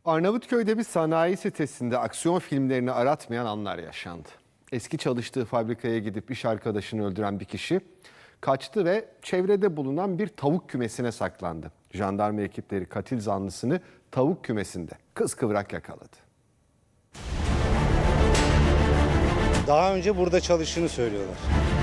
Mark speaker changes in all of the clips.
Speaker 1: Arnavutköy'de bir sanayi sitesinde aksiyon filmlerini aratmayan anlar yaşandı. Eski çalıştığı fabrikaya gidip iş arkadaşını öldüren bir kişi kaçtı ve çevrede bulunan bir tavuk kümesine saklandı. Jandarma ekipleri katil zanlısını tavuk kümesinde kıskıvrak yakaladı.
Speaker 2: Daha önce burada çalıştığını söylüyorlar.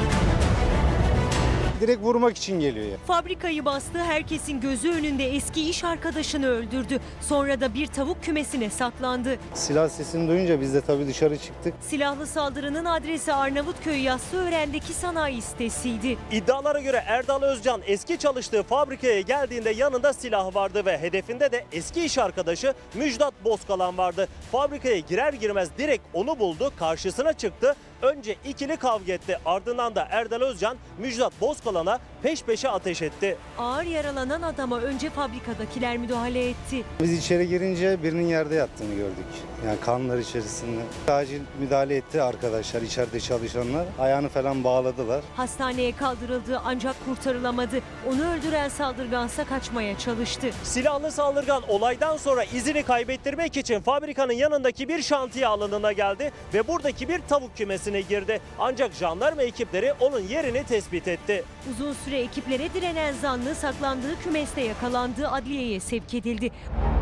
Speaker 2: Direkt vurmak için geliyor ya.
Speaker 3: Fabrikayı bastı, herkesin gözü önünde eski iş arkadaşını öldürdü. Sonra da bir tavuk kümesine saklandı.
Speaker 2: Silah sesini duyunca biz de tabii dışarı çıktık.
Speaker 3: Silahlı saldırının adresi Arnavutköy Yassıören'deki sanayi sitesiydi.
Speaker 4: İddialara göre Erdal Özcan eski çalıştığı fabrikaya geldiğinde yanında silah vardı ve hedefinde de eski iş arkadaşı Müjdat Bozkalan vardı. Fabrikaya girer girmez direkt onu buldu, karşısına çıktı. Önce ikili kavga etti, ardından da Erdal Özcan Müjdat Bozkalan'a peş peşe ateş etti.
Speaker 3: Ağır yaralanan adama önce fabrikadakiler müdahale etti.
Speaker 2: Biz içeri girince birinin yerde yattığını gördük. Yani kanlar içerisinde. Acil müdahale etti arkadaşlar, içeride çalışanlar. Ayağını falan bağladılar.
Speaker 3: Hastaneye kaldırıldı ancak kurtarılamadı. Onu öldüren saldırgansa kaçmaya çalıştı.
Speaker 4: Silahlı saldırgan olaydan sonra izini kaybettirmek için fabrikanın yanındaki bir şantiye alanına geldi ve buradaki bir tavuk kümesine girdi. Ancak jandarma ekipleri onun yerini tespit etti.
Speaker 3: Uzun süre ekiplere direnen zanlı saklandığı kümeste yakalandı, adliyeye sevk edildi.